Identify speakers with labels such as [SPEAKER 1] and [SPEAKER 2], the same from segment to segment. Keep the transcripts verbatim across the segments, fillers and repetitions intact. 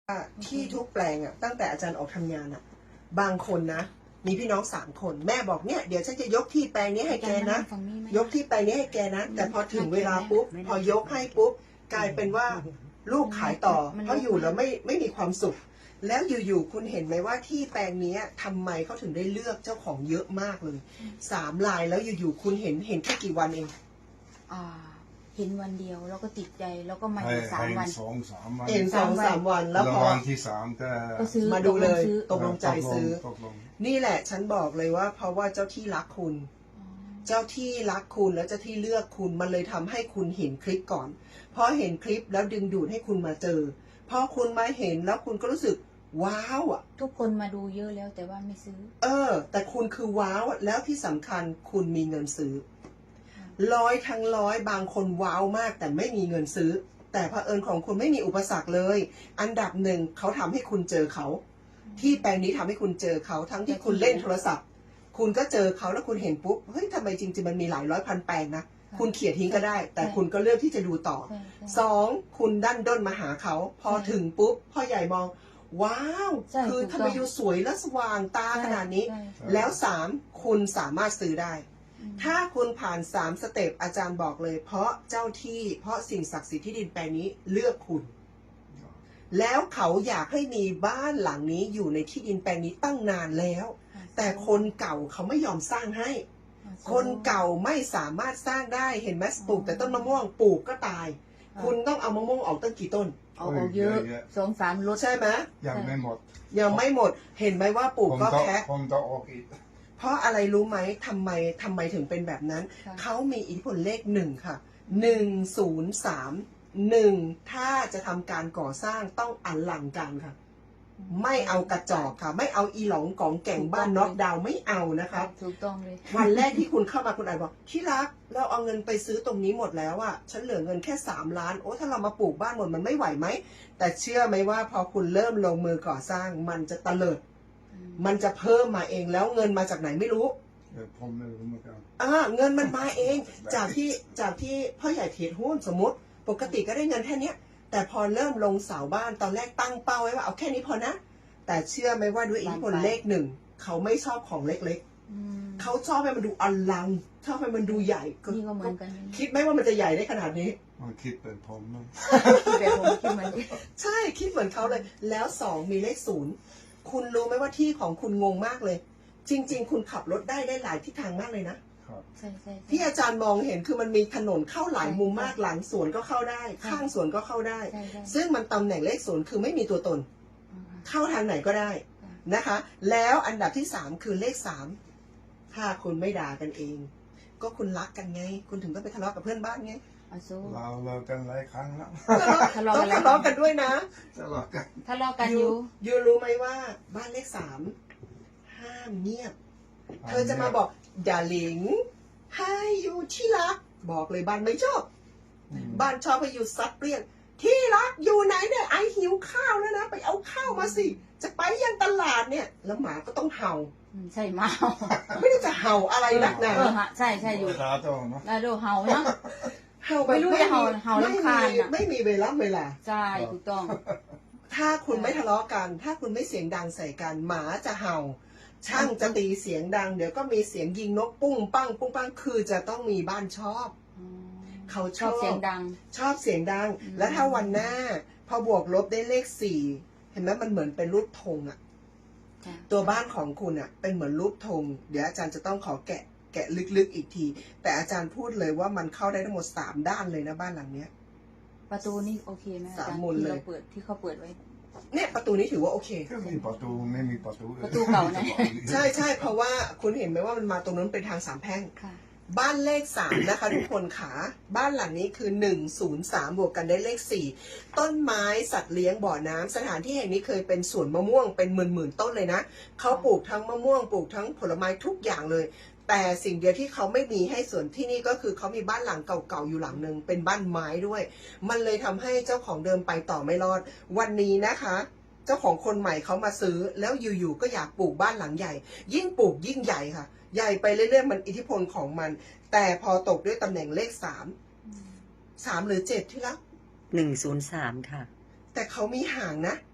[SPEAKER 1] ที่ทุกแปลงอ่ะตั้งแต่อาจารย์ออกทำงานอ่ะบางคนนะมีพี่น้องสามคนแม่บอกเนี่ยเดี๋ยวฉันจะยกที่แปลงนี้ให้แกนะยกที่แปลงนี้ให้แกนะแต่พอถึงเวลาปุ๊บพอยกให้ปุ๊บกลายเป็นว่าลูกขายต่อเพราะอยู่แล้วไม่ไม่มีความสุขแล้วอยู่ๆคุณเห็นไหมว่าที่แปลงนี้ทำไมเขาถึงได้เลือกเจ้าของเยอะมากเลยสามลายแล้วอยู่ๆคุณเห็นเห็นแค่กี่วันเอง
[SPEAKER 2] อ่าเห็นวันเดียวแล้วก็ติดใจแล้วก็มาอีกสามวัน
[SPEAKER 3] สองสามวัน
[SPEAKER 1] เห็นสองสามวันแล้วพอ
[SPEAKER 3] วันที่สามก็
[SPEAKER 1] มาดูเลยตกลงใจซื้อนี่แหละฉันบอกเลยว่าเพราะว่าเจ้าที่รักคุณเจ้าที่รักคุณแล้วเจ้าที่เลือกคุณมันเลยทำให้คุณเห็นคลิปก่อนพอเห็นคลิปแล้วดึงดูดให้คุณมาเจอพอคุณมาเห็นแล้วคุณก็รู้สึกว้าวอ่ะ
[SPEAKER 2] ทุกคนมาดูเยอะแล้วแต่ว่าไม่ซื้อ
[SPEAKER 1] เออแต่คุณคือว้าวแล้วที่สำคัญคุณมีเงินซื้อร้อยทั้งร้อยบางคนว้าวมากแต่ไม่มีเงินซื้อแต่เผอิญของคุณไม่มีอุปสรรคเลยอันดับหนึ่งเขาทำให้คุณเจอเขาที่แปลงนี้ทำให้คุณเจอเขาทั้งที่คุณเล่นโทรศัพท์คุณก็เจอเขาแล้วคุณเห็นปุ๊บเฮ้ยทำไมจริงๆมันมีหลายร้อยพันแปลงนะคุณเขียนทิ้งก็ได้แต่คุณก็เลือกที่จะดูต่อสองคุณดันด้นมาหาเขาพอถึงปุ๊บพ่อใหญ่มองว้าวคือทำไมอยู่สวยและสว่างตาขนาดนี้แล้วสามคุณสามารถซื้อได้ถ้าคุณผ่านสามสเต็ปอาจารย์บอกเลยเพราะเจ้าที่เพราะสิ่งศักดิ์สิทธิ์ที่ดินแปลงนี้เลือกคุณแล้วเขาอยากให้มีบ้านหลังนี้อยู่ในที่ดินแปลงนี้ตั้งนานแล้วแต่คนเก่าเขาไม่ยอมสร้างให้คนเก่าไม่สามารถสร้างได้เห็นไหมปลูกแต่ต้นมะม่วงปลูกก็ตายคุณต้องเอามะม่วงออกตั้งกี่ต้น
[SPEAKER 2] เอาออกเยอะสองสามรถ
[SPEAKER 1] ใช่ไหม
[SPEAKER 3] ยังไม่หมด
[SPEAKER 1] ยังไม่หมดเห็นไหมว่าปลูกก็แค่
[SPEAKER 3] ผมจะออกอีก
[SPEAKER 1] เพราะอะไรรู้ไหมทำไมทำไมถึงเป็นแบบนั้นเขามีอิทธิพลเลขหนึ่งค่ะหนึ่งศูนย์สามหนึ่งถ้าจะทำการก่อสร้างต้องอลังการค่ะไม่เอากระจอกค่ะไม่เอาอีหลงกองแก่งบ้านน็อกดาวน์ไม่เอานะคะ
[SPEAKER 2] ถูกต้องเลย
[SPEAKER 1] วันแรกที่คุณเข้ามาคุณอาจบอกที่รักเราเอาเงินไปซื้อตรงนี้หมดแล้วอะฉันเหลือเงินแค่สามล้านโอ้ถ้าเรามาปลูกบ้านหมดมันไม่ไหวไหมแต่เชื่อไหมว่าพอคุณเริ่มลงมือก่อสร้างมันจะตะเลิดมันจะเพิ่มมาเองแล้วเงินมาจากไหนไม่รู้
[SPEAKER 3] ผมไม่รู้เหมือนกัน
[SPEAKER 1] อ่าเงินมันมาเองจากที่จากที่พ่อใหญ่เทรดหุ้นสมมติปกติก็ได้เงินแค่นี้แต่พอเริ่มลงเสาบ้านตอนแรกตั้งเป้าไว้ว่าเอาแค่นี้พอนะแต่เชื่อไหมว่าด้วยอิทธิพลเลขหนึ่งเขาไม่ชอบของเล็กๆเขาชอบให้มันดูอลังชอบให้มันดูใหญ่ก็คิดไหมว่ามันจะใหญ่ได้ขนาดนี้
[SPEAKER 3] มันคิดเป็นผมนะ
[SPEAKER 2] คิดแบบผมคิดเหมือน
[SPEAKER 1] ใช่คิดเหมือนเขาเลยแล้วสองมีเลขศูนย์คุณรู้ไหมว่าที่ของคุณงงมากเลยจริงๆคุณขับรถได้ได้หลายทิศทางมากเลยนะ
[SPEAKER 2] ใช่ใช่
[SPEAKER 1] ที่อาจารย์มองเห็นคือมันมีถนนเข้าหลายมุมมากหลังสวนก็เข้าได้ข้างสวนก็เข้าได้ซึ่งมันตำแหน่งเลขศูนย์คือไม่มีตัวตนเข้าทางไหนก็ได้นะคะแล้วอันดับที่สามคือเลขสามถ้าคุณไม่ด่ากันเองก็คุณรักกันไงคุณถึงต้องไปทะเลาะกับเพื่อนบ้านไง
[SPEAKER 3] เราเรากันหลายครั้งแล้ว
[SPEAKER 1] ต้องทะเลาะกันด้วยนะ
[SPEAKER 3] ทะเลาะกัน
[SPEAKER 2] ทะเลาะกันอยู่
[SPEAKER 1] ยูรู้ไหมว่าบ้านเลขสามห้ามเงียบเธอจะมาบอกอย่าหลิงให้อยู่ที่รักบอกเลยบ้านไม่ชอบบ้านชอบให้อยู่ซัดเปรี้ยงที่รักอยู่ไหนเนี่ยไอหิวข้าวแล้วนะไปเอาข้าวมาสิจะไปยังตลาดเนี่ยแล้วหมาก็ต้องเห่า
[SPEAKER 2] ใช่หมา
[SPEAKER 1] ไม่ได้จะเห่าอะไรนักหนา
[SPEAKER 2] ใช่ใช่อยู่
[SPEAKER 3] ลาโตเนาะ
[SPEAKER 2] ลาโดเห่าเนาะ
[SPEAKER 1] เห่า
[SPEAKER 2] ไม่รู้จะเห่าเห่าลำคาญ
[SPEAKER 1] ไม่มีเวลาเวลา
[SPEAKER 2] ใช่ถูกต้อง
[SPEAKER 1] ถ้าคุณไม่ทะเลาะกันถ้าคุณไม่เสียงดังใส่กันหมาจะเห่าช่างจะตีเสียงดังเดี๋ยวก็มีเสียงยิงนกปุ้งปั้งปุ้งปั้งคือจะต้องมีบ้านชอบเขาชอบ
[SPEAKER 2] เสียงดัง
[SPEAKER 1] ชอบเสียงดังแล้วถ้าวันหน้าพอบวกลบได้เลขสี่เห็นไหมมันเหมือนเป็นรูปธงอะตัวบ้านของคุณอะเป็นเหมือนรูปธงเดี๋ยวอาจารย์จะต้องขอแกะแกะลึกๆอีกทีแต่อาจารย์พูดเลยว่ามันเข้าได้ทั้งหมดสามด้านเลยนะบ้านหลังเนี้ย
[SPEAKER 2] ประตูนี่โอเคไหมอาจารย์ที่เราเปิดที่เขาเปิดไว้
[SPEAKER 1] เนี่ยประตูนี้ถือว่าโอเค
[SPEAKER 3] มีประตูไม่มีประตู
[SPEAKER 2] ประตูเก่านะ
[SPEAKER 1] ใช่ใช่เพราะว่าคุณเห็นไหมว่ามันมาตรงนั้นเป็นทางสามแพร่งบ้านเลขสามนะคะทุกคนขาบ้านหลังนี้คือหนึ่งศูนย์สามบวกกันได้เลขสี่ต้นไม้สัตว์เลี้ยงบ่อน้ำสถานที่แห่งนี้เคยเป็นสวนมะม่วงเป็นหมื่นหมื่นต้นเลยนะเขาปลูกทั้งมะม่วงปลูกทั้งผลไม้ทุกอย่างเลยแต่สิ่งเดียวที่เขาไม่มีให้ส่วนที่นี่ก็คือเขามีบ้านหลังเก่าๆอยู่หลังหนึ่งเป็นบ้านไม้ด้วยมันเลยทำให้เจ้าของเดิมไปต่อไม่รอดวันนี้นะคะเจ้าของคนใหม่เขามาซื้อแล้วอยู่ๆก็อยากปลูกบ้านหลังใหญ่ยิ่งปลูกยิ่งใหญ่ค่ะใหญ่ไปเรื่อยๆมันอิทธิพลของมันแต่พอตกด้วยตำแหน่งเลขสามสามหรือเจ็ดที่รัก
[SPEAKER 4] หนึ่งศูนย์สามค่ะ
[SPEAKER 1] แต่เขามีห่างนะ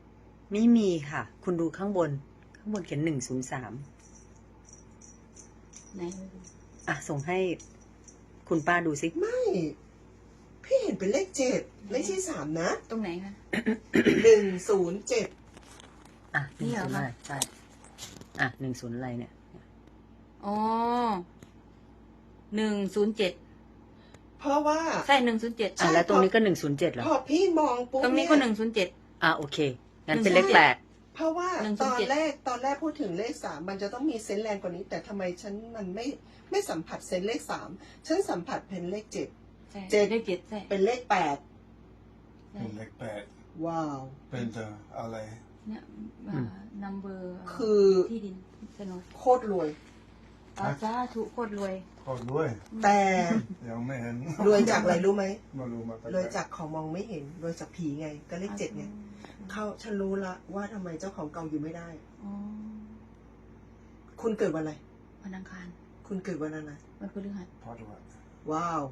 [SPEAKER 4] ไม่มีค่ะ คุณดูข้างบน ข้างบนเขียนหนึ่งศูนย์สาม
[SPEAKER 2] ไหน
[SPEAKER 4] อ่ะ ส่งให้คุณป้าดูสิ
[SPEAKER 1] ไม่ พี่เห็นเป็นเลขเจ็ดไม่ใช่สามนะ
[SPEAKER 2] ตรงไหนคะ
[SPEAKER 1] หนึ่งศูนย์เจ็ด
[SPEAKER 4] อ่ะห
[SPEAKER 2] นี่
[SPEAKER 4] นึ่ง
[SPEAKER 2] เหร
[SPEAKER 4] ศู
[SPEAKER 2] อน
[SPEAKER 4] ย์
[SPEAKER 2] คะ
[SPEAKER 4] อะไรใช่ อ่ะหนึ่งศูนย์อะไรเนี่ย
[SPEAKER 2] อ๋อหนึ่งศูนย์เจ็ด
[SPEAKER 1] เพราะว่า
[SPEAKER 2] ใช่หนึ่งศูนย์เจ็ด
[SPEAKER 4] อ่ะแล้วตรงนี้ก็หนึ่งศูนย์เจ็ดเหรอ
[SPEAKER 1] พอพี่มองปุ๊บ
[SPEAKER 2] ตรงนี้
[SPEAKER 1] เย
[SPEAKER 2] ก็หนึ่งศูนย์เจ็ด
[SPEAKER 4] อ่ะโอเค งั้น
[SPEAKER 2] หนึ่ง
[SPEAKER 4] เป็นเลขแปลก
[SPEAKER 1] เพราะว่า
[SPEAKER 2] หนึ่ง
[SPEAKER 1] ต
[SPEAKER 2] ศูน
[SPEAKER 1] อ
[SPEAKER 2] ย์
[SPEAKER 1] น
[SPEAKER 2] เจ็ด
[SPEAKER 1] แรกตอนแรกพูดถึงเลขสามมันจะต้องมีเซนส์แรงกว่านี้ แต่ทำไมฉันมันไม่ไม่สัมผัสเซนส์เลขสามฉันสัมผัสเป็นเลขเจ็ด
[SPEAKER 2] ใช่
[SPEAKER 1] เจ็ด
[SPEAKER 2] เลขเจ็ดใช่
[SPEAKER 1] เป็นเลขแปด
[SPEAKER 2] ใช่
[SPEAKER 3] เป็นเลขแปด
[SPEAKER 1] ว้าว
[SPEAKER 3] เป็นจะอะไร
[SPEAKER 2] เนี่ยนัมเบอร์
[SPEAKER 1] คือ
[SPEAKER 2] ที่ดินโฉนด
[SPEAKER 1] โคตรรวย
[SPEAKER 2] อาสาธุโคตรรวย
[SPEAKER 3] ขอด้วย
[SPEAKER 1] แต่
[SPEAKER 3] ยังไม่เห็น
[SPEAKER 1] รวยจากอะไรรู้ไหม
[SPEAKER 3] มารู้มาตั้ง
[SPEAKER 1] รวยจากของมองไม่เห็นรวยจากผีไง ก็เลขเจ็ดไงเขาฉันรู้ละว่าทำไมเจ้าของเก่าอยู่ไม่ได้
[SPEAKER 2] อ๋อ
[SPEAKER 1] คุณเกิดวันอะไร
[SPEAKER 2] วันอังคาร
[SPEAKER 1] คุณเกิดวันอะไร
[SPEAKER 2] วันพฤหัส
[SPEAKER 3] พอด้วย
[SPEAKER 1] ว้าว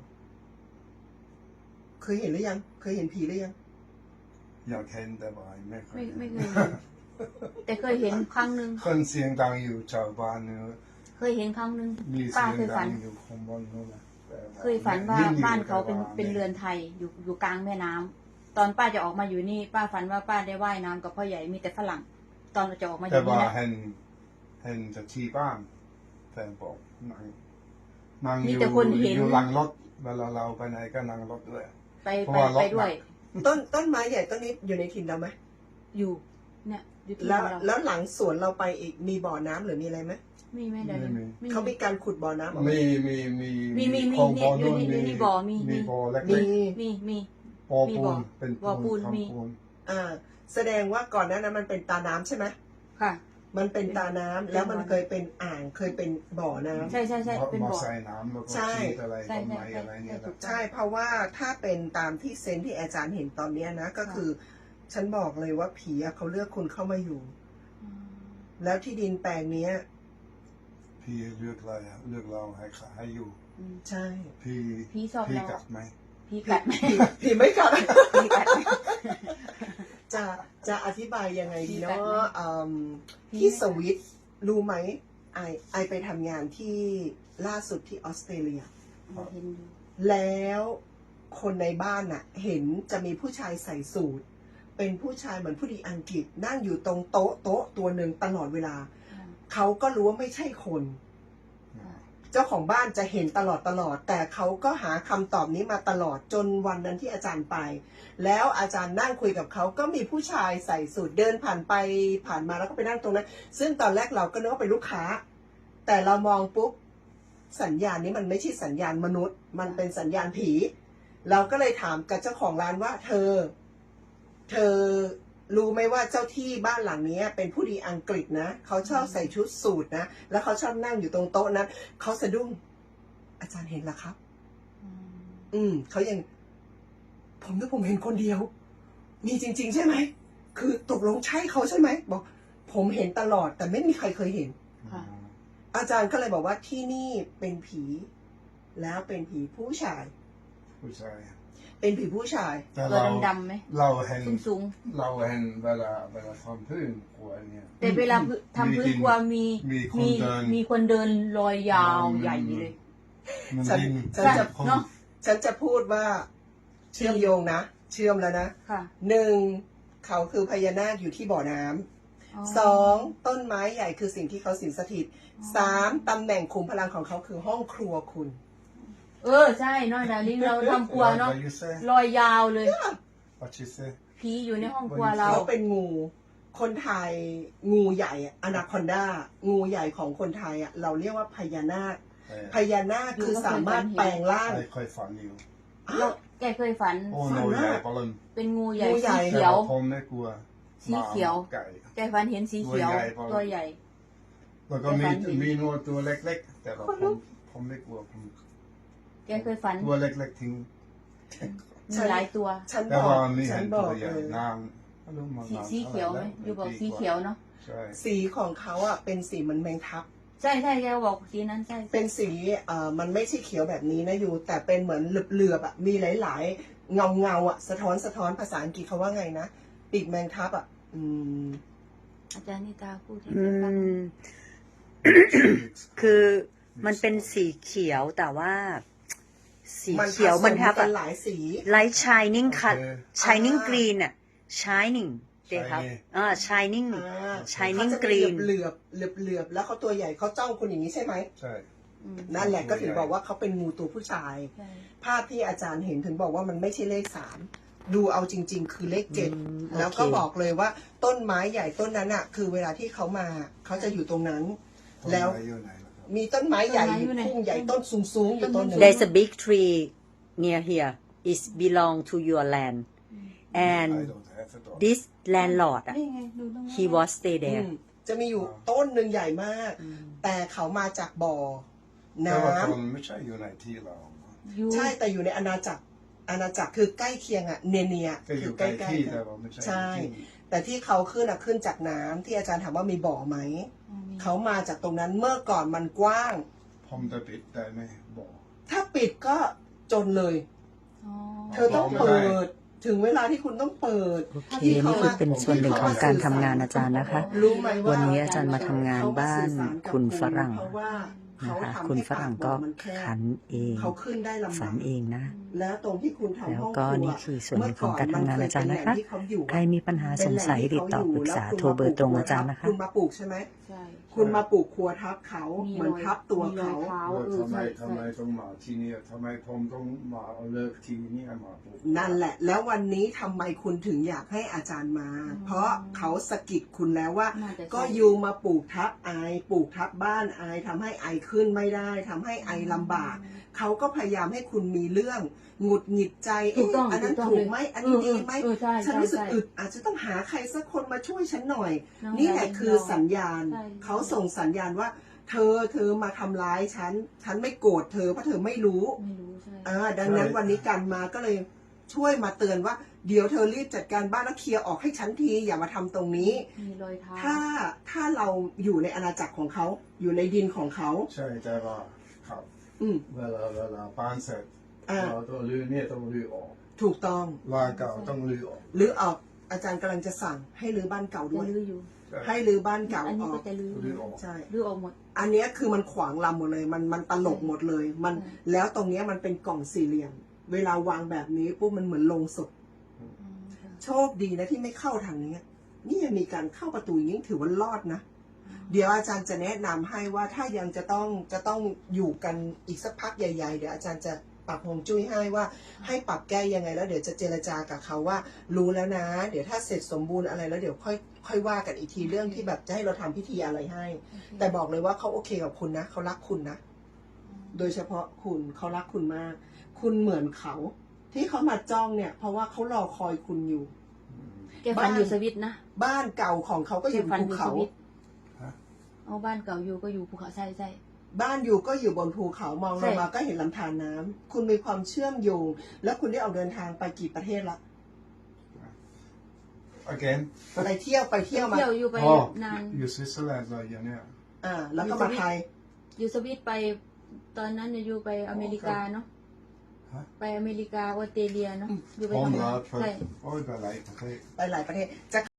[SPEAKER 1] เคยเห็นหรือยัง เคยเห็นผีหรือยัง
[SPEAKER 3] อยากเห็นแต่ว่าไม่เค
[SPEAKER 2] ไม่
[SPEAKER 3] ย
[SPEAKER 2] ไม่เคยเห็นแต่เคยเห็นครั้งหนึ่ง
[SPEAKER 3] คนเสียงดังอยู่ชาวบ้านเนี่ย
[SPEAKER 2] เคยเห็นครั้งหนึ่ง
[SPEAKER 3] มี
[SPEAKER 2] ป้า
[SPEAKER 3] เสียง
[SPEAKER 2] เคย
[SPEAKER 3] ดั
[SPEAKER 2] ฝั
[SPEAKER 3] ง
[SPEAKER 2] น
[SPEAKER 3] อยู่ข้างบนนู้นนะแต่
[SPEAKER 2] เคยฝันว่า
[SPEAKER 3] ไม่อยู่
[SPEAKER 2] บ้านเขาเป็น
[SPEAKER 3] แต่ว่
[SPEAKER 2] เป็นเรือนไทยอยู่อยู่กลางแม่น้ำตอนป้าจะออกมาอยู่นี่ ป้าฝันว่าป้าได้ว่ายน้ำกับพ่อใหญ่มีแต่ฝรั่ง ตอนเราจะออกมาอ
[SPEAKER 3] แต่
[SPEAKER 2] ยู่นี่
[SPEAKER 3] ว่า
[SPEAKER 2] นะ
[SPEAKER 3] เห็นเห็นจะที่บ้านแฟนบอกนั่งนั่งอ
[SPEAKER 2] มี
[SPEAKER 3] ยู่
[SPEAKER 2] แต่คนเห็น
[SPEAKER 3] อยู่หลังรถเวลาเราไปไหนก็นั่งรถด้วย
[SPEAKER 2] ไป
[SPEAKER 3] เพราะ
[SPEAKER 2] ไป
[SPEAKER 3] ว่ารถ
[SPEAKER 2] ไปด้วย
[SPEAKER 1] ต้นต้นไม้ใหญ่ต้นนี้อยู่ในถิ่นเราไหม
[SPEAKER 2] อยู่ เนี่ยอยู่ที่
[SPEAKER 1] แล้ว
[SPEAKER 2] เรา
[SPEAKER 1] แล้วหลังสวนเราไปอีกมีบ่อน้ำหรือมีอะไรไหม
[SPEAKER 2] มีไหมเดี๋ยวนี้มี
[SPEAKER 1] เขามีการขุดบ่อน้ำออกมา
[SPEAKER 3] มีมีมี
[SPEAKER 2] มีมีมี
[SPEAKER 3] คลองบ่อ
[SPEAKER 2] อยู่
[SPEAKER 3] นู่น
[SPEAKER 2] นี่อยู่
[SPEAKER 3] มี
[SPEAKER 2] นี่บ่อมีมี
[SPEAKER 3] มีบ่อเล็
[SPEAKER 1] มี
[SPEAKER 3] ก
[SPEAKER 2] มีมี
[SPEAKER 3] ๆบ่อ
[SPEAKER 2] มี
[SPEAKER 3] ปู
[SPEAKER 2] บ่อ
[SPEAKER 3] นเป็น
[SPEAKER 2] บ่อปูน
[SPEAKER 3] ทำ
[SPEAKER 2] มี
[SPEAKER 3] ปูน
[SPEAKER 1] อ่า แสดงว่าก่อนหน้านั้นมันเป็นตาน้ำใช่ไหม
[SPEAKER 2] ค่ะ
[SPEAKER 1] มันเป็นตาน้ำแล้วมันเคยเป็นอ่างเคยเป็นบ่อน้ำ
[SPEAKER 2] ใช่ใช่ใช่เป็น
[SPEAKER 3] มา
[SPEAKER 2] บ่อ
[SPEAKER 3] ใส่น้ำแล้วก็
[SPEAKER 1] ใช่
[SPEAKER 3] ชีดอะไร
[SPEAKER 2] ใช่
[SPEAKER 3] ต้นไม้
[SPEAKER 2] ใช่
[SPEAKER 3] อะไรเนี่ย
[SPEAKER 2] ใช่ถูก
[SPEAKER 1] ใช่เพราะว่าถ้าเป็นตามที่เซนส์ที่อาจารย์เห็นตอนเนี้ยนะ ก็คือ ฉันบอกเลยว่าผีอะเขาเลือกคุณเข้ามาอยู่
[SPEAKER 2] อืม
[SPEAKER 1] แล้วที่ดินแปลงเนี้ย
[SPEAKER 3] พี่เลือกอะไรอะเลือกเราให้ขาให้อยู่
[SPEAKER 2] อืม
[SPEAKER 1] ใช่
[SPEAKER 3] พี่
[SPEAKER 2] พี่ชอบ
[SPEAKER 3] พี่
[SPEAKER 2] เรา
[SPEAKER 3] กัดไหม
[SPEAKER 2] พี่กัดไหม
[SPEAKER 1] ผีผีไม่กัด
[SPEAKER 2] พี่กัดไหม
[SPEAKER 1] จะจะอธิบายยังไงดี
[SPEAKER 2] ผีกัด
[SPEAKER 1] เนาะ
[SPEAKER 2] ไหม
[SPEAKER 1] อืม
[SPEAKER 2] ผี
[SPEAKER 1] ที่
[SPEAKER 2] ไม่กัด
[SPEAKER 1] สวิตรู้ไหมไอไอไปทำงานที่ล่าสุดที่ออสเตรเลีย
[SPEAKER 2] เห็นอยู่
[SPEAKER 1] แล้วคนในบ้านน่ะ เห็นจะมีผู้ชายใส่สูทเป็นผู้ชายเหมือนผู้ดีอังกฤษนั่งอยู่ตรงโต๊ะโต๊ะตัวหนึ่งตลอดเวลา
[SPEAKER 2] ค่ะ
[SPEAKER 1] เขาก็รู้ว่าไม่ใช่คน
[SPEAKER 2] ค่ะ
[SPEAKER 1] เจ้าของบ้านจะเห็นตลอดตลอด แต่เขาก็หาคำตอบนี้มาตลอดจนวันนั้นที่อาจารย์ไป แล้วอาจารย์นั่งคุยกับเขาก็มีผู้ชายใส่สูทเดินผ่านไปผ่านมาแล้วก็ไปนั่งตรงนั้น ซึ่งตอนแรกเราก็นึกว่าเป็นลูกค้า แต่เรามองปุ๊บสัญญาณนี้มันไม่ใช่สัญญาณมนุษย์ มันเป็นสัญญาณผี เราก็เลยถามกับเจ้าของร้านว่า เธอ เธอรู้ไหมว่าเจ้าที่บ้านหลังนี้เป็นผู้ดีอังกฤษนะเขาชอบใส่ชุดสูทนะแล้วเขาชอบนั่งอยู่ตรงโต๊ะนั้นเขาสะดุ้งอาจารย์เห็นเหรอครับ
[SPEAKER 2] อืม
[SPEAKER 1] อืมเขายัง ผมนึกผมเห็นคนเดียว มีจริง ๆ ใช่ไหมคือตกลงใช่เขาใช่ไหมบอก ผมเห็นตลอด แต่ไม่มีใครเคยเห็น
[SPEAKER 2] ค่ะ
[SPEAKER 1] อาจารย์ก็เลยบอกว่าที่นี่เป็นผี แล้วเป็นผีผู้ชาย
[SPEAKER 3] ผู้ชาย
[SPEAKER 1] เป็นผีผู้ชาย
[SPEAKER 3] แต่
[SPEAKER 2] ตัว
[SPEAKER 3] เรา
[SPEAKER 2] ดำๆไหม
[SPEAKER 3] เราเห็น
[SPEAKER 2] สูงสูง
[SPEAKER 3] เราเห็นเวลาเวลาทำพื้นครัวเนี่ย
[SPEAKER 2] ๆแต่เวลาพื้นทำพื้นครัวมี
[SPEAKER 3] มีคน
[SPEAKER 2] มี
[SPEAKER 3] เดิน
[SPEAKER 2] มีคนเดินลอยยาว
[SPEAKER 3] อืม
[SPEAKER 2] ใหญ่เลย
[SPEAKER 3] มัน
[SPEAKER 1] ฉัน
[SPEAKER 3] ดิน
[SPEAKER 1] ฉันจะ
[SPEAKER 3] คน
[SPEAKER 2] เนาะ
[SPEAKER 1] ฉันจะพูดว่า เชื่อมโยงนะ เชื่อมแล้วนะ
[SPEAKER 2] ค่ะ
[SPEAKER 1] หนึ่งเขาคือพญานาคอยู่ที่บ่อน้ำสองต้นไม้ใหญ่คือสิ่งที่เขาสิงสถิตสามตำแหน่งขุมพลังของเขาคือห้องครัวคุณ
[SPEAKER 2] เออใช่เนาะดาริงเราทำครัวเนาะ
[SPEAKER 3] What you say
[SPEAKER 2] ลอยยาวเลย
[SPEAKER 3] What you say
[SPEAKER 2] ผีอยู่ในห้องครัวเรา
[SPEAKER 1] เขาเป็นงู คนไทยงูใหญ่อนาคอนดางูใหญ่ของคนไทยอ่ะเราเรียกว่าพญานาค
[SPEAKER 3] เออ
[SPEAKER 1] พญานาคคือสามารถแปลงร่าง
[SPEAKER 3] ไม่ค่อยฝันอยู่
[SPEAKER 2] เราแกเคยฝัน
[SPEAKER 3] โอ้
[SPEAKER 1] ฝั
[SPEAKER 3] โน
[SPEAKER 1] น
[SPEAKER 3] ใหญ่
[SPEAKER 1] มาก
[SPEAKER 3] ปะลัน
[SPEAKER 2] เป็นงูใหญ่
[SPEAKER 1] งูใหญ่
[SPEAKER 2] สีเขียว
[SPEAKER 3] แต่าผมไม่กลัว
[SPEAKER 2] สีเขียว
[SPEAKER 3] หมาไก่
[SPEAKER 2] แกฝันเห็นสีเขียว
[SPEAKER 3] ตัวใหญ่ปะ
[SPEAKER 2] ตัวใหญ่
[SPEAKER 3] แล้วก็มี
[SPEAKER 2] แต่ฝันเห็น
[SPEAKER 3] มีงูตัวเล็กๆ แต่ว่า
[SPEAKER 2] คน
[SPEAKER 3] ผ
[SPEAKER 2] ลุ
[SPEAKER 3] ม
[SPEAKER 2] ก
[SPEAKER 3] ผมไม่กลัวผม
[SPEAKER 2] แกเคยฝัน
[SPEAKER 3] ตัวเล็กๆทิ้ง
[SPEAKER 2] มีหลายตัว
[SPEAKER 1] ฉัน
[SPEAKER 3] แต่
[SPEAKER 1] บอ
[SPEAKER 3] ว่าก มี
[SPEAKER 1] ฉั
[SPEAKER 3] เห็
[SPEAKER 1] น
[SPEAKER 3] น
[SPEAKER 1] บ
[SPEAKER 3] ตั
[SPEAKER 1] อ
[SPEAKER 3] ว
[SPEAKER 1] ก
[SPEAKER 3] ใหญ่
[SPEAKER 1] เลย
[SPEAKER 3] นางไม่รู้มัน
[SPEAKER 2] สี
[SPEAKER 3] นาง
[SPEAKER 2] สีเขียวไหม
[SPEAKER 3] ะร
[SPEAKER 2] อยู่บอก
[SPEAKER 3] ปี
[SPEAKER 2] สีเขียวเนาะ
[SPEAKER 3] ใช่
[SPEAKER 1] สีของเขาอ่ะเป็นสีเหมันแมงทับ
[SPEAKER 2] ใช่ใช่แกบอกสีนั้นใช่
[SPEAKER 1] เป็นสีเอ่อมันไม่ใช่เขียวแบบนี้นะอยู่ แต่เป็นเหมือนเหลือบๆอ่ะมีหลายๆ เงาเงาๆอ่ะสะท้อนสะท้อนภาษาอังกฤษเขาว่าไงนะปีกแมงทับอ่ะอืม
[SPEAKER 2] อาจารย์นิตาพูดให้
[SPEAKER 4] อื
[SPEAKER 2] แกฟัง
[SPEAKER 4] ม คือมันเป็นสีเขียวแต่ว่า สี
[SPEAKER 1] มัน
[SPEAKER 4] เขียวมัน
[SPEAKER 1] ผส
[SPEAKER 4] ทับ
[SPEAKER 1] กันหลายสี
[SPEAKER 4] light shining cut
[SPEAKER 3] โอเค
[SPEAKER 4] shining
[SPEAKER 1] อ่า
[SPEAKER 4] green อ่ะ shining เด็กครับ
[SPEAKER 3] Shiny
[SPEAKER 4] อ่า shining
[SPEAKER 1] อ่า
[SPEAKER 4] shining
[SPEAKER 1] เขาจะมี
[SPEAKER 4] green
[SPEAKER 1] เหลือบเหลือบเหลือบๆแล้วเขาตัวใหญ่เขาจ้องคุณอย่างนี้ใช่ไหม
[SPEAKER 3] ใช่
[SPEAKER 2] อืม
[SPEAKER 1] นั่นแหละก็ถึงบอกว่าเขาเป็นงูตัวผู้ชาย
[SPEAKER 2] ใช่
[SPEAKER 1] ภาพที่อาจารย์เห็นถึงบอกว่ามันไม่ใช่เลขสามดูเอาจริง ๆ คือเลขเจ็ด
[SPEAKER 4] อืม
[SPEAKER 1] แล้วก็
[SPEAKER 4] โอเค
[SPEAKER 1] บอกเลยว่าต้นไม้ใหญ่ต้นนั้นอ่ะ คือเวลาที่เขามาเขาจะอยู่ตรงนั้น
[SPEAKER 3] ต้น
[SPEAKER 1] แล้ว
[SPEAKER 3] ไม้อยู่ไหนล่ะครับ
[SPEAKER 1] มีต้นไม้ใหญ่อยู่ทุ่งใหญ่ต้นสูงๆอยู่ต้นหนึ่ง
[SPEAKER 4] there's a big tree near here it belong to your land and
[SPEAKER 3] I don't have it all.
[SPEAKER 4] this landlord อ่ะ
[SPEAKER 2] นี่ไงดูตรงนั้น
[SPEAKER 4] he was stay
[SPEAKER 1] อื
[SPEAKER 4] there
[SPEAKER 1] มจะมีอยู่ต้นหนึ่งใหญ่มาก แต่เขามาจากบ่อ
[SPEAKER 3] แต่
[SPEAKER 1] น้ำ
[SPEAKER 3] ว่าคนไม่ใช่อยู่ในที่เรา
[SPEAKER 2] อยู่
[SPEAKER 1] ใช่แต่อยู่ในอาณาจักรอาณาจักรคือใกล้เคียงอ่ะเนียเนีย
[SPEAKER 3] ก็อ
[SPEAKER 1] คื
[SPEAKER 3] ยู่
[SPEAKER 1] อ
[SPEAKER 3] ใก
[SPEAKER 1] ใก
[SPEAKER 3] ล้
[SPEAKER 1] ล้
[SPEAKER 3] ที่
[SPEAKER 1] ๆกั
[SPEAKER 3] แต่
[SPEAKER 1] น
[SPEAKER 3] ว่าไม่ใช่
[SPEAKER 1] ใช่
[SPEAKER 3] ที่
[SPEAKER 1] แต่ที่เขาขึ้นอ่ะขึ้นจากน้ำที่อาจารย์ถามว่ามีบ่อไหม
[SPEAKER 2] อืม
[SPEAKER 1] เขามาจากตรงนั้นเมื่อก่อนมันกว้าง
[SPEAKER 3] ผมจะปิดได้ไหมบอก
[SPEAKER 1] ถ้าปิดก็จนเลย
[SPEAKER 2] อ๋อ
[SPEAKER 1] เธอต้องเปิด ถึงเวลาที่คุณต้องเปิด
[SPEAKER 4] โอเคนี่คือเป็นส่วนหนึ่งของการทำงานอาจารย์นะคะ
[SPEAKER 1] รู้ไหมว่า
[SPEAKER 4] วันนี้อาจารย์มาทำงานบ้านคุณฝรั่ง
[SPEAKER 1] เพราะว่าเขา
[SPEAKER 4] นะคะ
[SPEAKER 1] ทำ
[SPEAKER 4] คุณ
[SPEAKER 1] ให้
[SPEAKER 4] ฝรั่งก็
[SPEAKER 1] ปาบ่อมันแคบ
[SPEAKER 4] ขันเอง
[SPEAKER 1] เขาขึ้นได้ลำ
[SPEAKER 4] ฝั
[SPEAKER 1] บาก
[SPEAKER 4] นเองนะ
[SPEAKER 1] แล้วตรงที่คุณทำ
[SPEAKER 4] แล้ว
[SPEAKER 1] ห้อง
[SPEAKER 4] ก็
[SPEAKER 1] ครัว
[SPEAKER 4] นี่คือส่วนหนึ่งของการทำงานอาจารย์นะคะ
[SPEAKER 1] เมื่อก่อนมันเคยเป็นแหล่งที่เขาอยู่
[SPEAKER 4] ใครมีปัญหาสงสัยติดต่อปรึกษาโทรเบอร์ตรงอาจารย์นะคะ
[SPEAKER 1] คุณมาปลูกใช่ไหม
[SPEAKER 2] ใช่
[SPEAKER 1] คุณมาปลูกครัวทับเขา
[SPEAKER 2] มี
[SPEAKER 1] เหมือนทับตัว
[SPEAKER 2] มีรอ
[SPEAKER 1] เขา
[SPEAKER 2] ยเท้า
[SPEAKER 3] ว่า
[SPEAKER 2] เออ
[SPEAKER 3] ทำไม
[SPEAKER 2] ใช่
[SPEAKER 3] ทำไม
[SPEAKER 2] ใช่
[SPEAKER 3] ต้องมาที่นี่ทำไมผมต้องมาเอาเลิกที่นี่มาปลูก
[SPEAKER 1] นั่นแหละ แล้ววันนี้ทำไมคุณถึงอยากให้อาจารย์มา เพราะเขาสะกิดคุณแล้วว่า
[SPEAKER 2] น่าจะใช่
[SPEAKER 1] ก็ยูมาปลูกทับไอปลูกทับบ้านไอทำให้ไอขึ้นไม่ได้ทำให้ไอลำบาก เขาก็พยายามให้คุณมีเรื่องหงุดหงิดใจ
[SPEAKER 2] ถูกต้อง
[SPEAKER 1] เะอันนั้น
[SPEAKER 2] ถูกต้อง
[SPEAKER 1] ถูกไหมอันนี้
[SPEAKER 2] เออ
[SPEAKER 1] ดีไหม
[SPEAKER 2] เออใช่
[SPEAKER 1] ฉันรู้สึก
[SPEAKER 2] ใช่
[SPEAKER 1] อึดอาจจะต้องหาใครสักคนมาช่วยฉันหน่อย
[SPEAKER 2] น้อง
[SPEAKER 1] นี่แหละ
[SPEAKER 2] ยาย
[SPEAKER 1] คือสัญญาณ
[SPEAKER 2] ใช่
[SPEAKER 1] เขาส่งสัญญาณว่า เธอเธอมาทำร้ายฉัน ฉันไม่โกรธเธอเพราะเธอไม่รู้
[SPEAKER 2] ไม่รู้ใช่
[SPEAKER 1] อ่าดังนั้นวันนี้กันมาก็เลยช่วยมาเตือนว่า เดี๋ยวเธอรีบจัดการบ้านแล้วเคลียร์ออกให้ฉันทีอย่ามาทำตรงนี้
[SPEAKER 2] มีรอยเท้า
[SPEAKER 1] ถ้าถ้าเราอยู่ในอาณาจักรของเขา อยู่ในดินของเขา
[SPEAKER 3] ใช่แต่ว่าครับ
[SPEAKER 1] อืม
[SPEAKER 3] เวลาเวลาบ้านเสร็จ
[SPEAKER 1] อ่า
[SPEAKER 3] เราต้องรื้อเนี่ยต้องรื้อออก
[SPEAKER 1] ถูกต้อง
[SPEAKER 3] ลายเก่าต้องรื้อออก
[SPEAKER 1] หรือออกอาจารย์กำลังจะสั่งให้รื้อบ้านเก่า
[SPEAKER 2] จะ
[SPEAKER 1] ด้วย
[SPEAKER 2] ลื้ออยู่
[SPEAKER 1] ให้รื้อบ้านเก่า
[SPEAKER 2] อัน
[SPEAKER 1] อ
[SPEAKER 2] นี้
[SPEAKER 1] อ
[SPEAKER 2] ก็
[SPEAKER 1] ก
[SPEAKER 2] จะลื้อ
[SPEAKER 3] ลื้อออก
[SPEAKER 1] ใช่
[SPEAKER 2] ลื้อออกหมด
[SPEAKER 1] อันเนี้ยคือมันขวางลำหมดเลย มันมันตลกหมดเลย มัน
[SPEAKER 2] ใช่
[SPEAKER 1] แล้วตรงเนี้ยมันเป็นกล่องสี่เหลี่ยม เวลาวางแบบนี้ปุ๊บมันเหมือนโลงศพ
[SPEAKER 2] อืมค่ะ
[SPEAKER 1] โชคดีนะที่ไม่เข้าทางนี้นี่ยังมีการเข้าประตูอย่างนี้ถือว่ารอดนะ เดี๋ยวอาจารย์จะแนะนำให้ว่าถ้ายังจะต้องจะต้องอยู่กันอีกสักพักใหญ่ๆเดี๋ยวอาจารย์จะปรับฮวงจุ้ยให้ว่าให้ปรับแก้ยังไงแล้วเดี๋ยวจะเจรจากับเขาว่า รู้แล้วนะ เดี๋ยวถ้าเสร็จสมบูรณ์อะไรแล้วเดี๋ยวค่อยค่อยว่ากันอีกทีเรื่องที่แบบจะให้เราทำพิธีอะไรให้
[SPEAKER 2] โอเค
[SPEAKER 1] แต่บอกเลยว่าเขาโอเคกับคุณนะเขารักคุณนะ โดยเฉพาะคุณเขารักคุณมาก คุณเหมือนเขา ที่เขามาจ้องเนี่ย เพราะว่าเขารอคอยคุณอยู่
[SPEAKER 2] แกฝันอยู่สวิตนะ
[SPEAKER 1] บ้านเก่าของเขาก็อยู่บนภูเขา
[SPEAKER 3] ฮะ
[SPEAKER 2] เอาบ้านเก่าอยู่ก็อยู่ภูเขาใช่ใช่
[SPEAKER 1] บ้านอยู่ก็อยู่บนภูเขามองล
[SPEAKER 2] ใช่
[SPEAKER 1] งมาก็เห็นลำธารน้ำคุณมีความเชื่อมโยง แล้วคุณได้ออกเดินทางไปกี่ประเทศละ
[SPEAKER 3] again
[SPEAKER 1] ไปเที่ยวไปเที่ยวมา
[SPEAKER 2] เที่ยวอยู่ไป
[SPEAKER 3] อ๋อน
[SPEAKER 2] าน
[SPEAKER 3] อยู่สวิตเซอร์แลนด์เลยอย่างเนี้ย
[SPEAKER 1] อ่า แล้วก็มาไทย
[SPEAKER 2] อยู่สวิตไป ตอนนั้นเนี่ยอยู่ไปอเมริกาเนาะ
[SPEAKER 3] ฮะ
[SPEAKER 2] ไปอเมริกาออสเตรเลียเนาะ
[SPEAKER 1] อืม
[SPEAKER 2] อยู่ไป
[SPEAKER 3] ผม
[SPEAKER 2] ทำ
[SPEAKER 3] เหร
[SPEAKER 2] งา
[SPEAKER 3] อน
[SPEAKER 2] ใช่
[SPEAKER 3] โอ้ยไปหลายประเทศ
[SPEAKER 1] ไปหลายประเทศจะ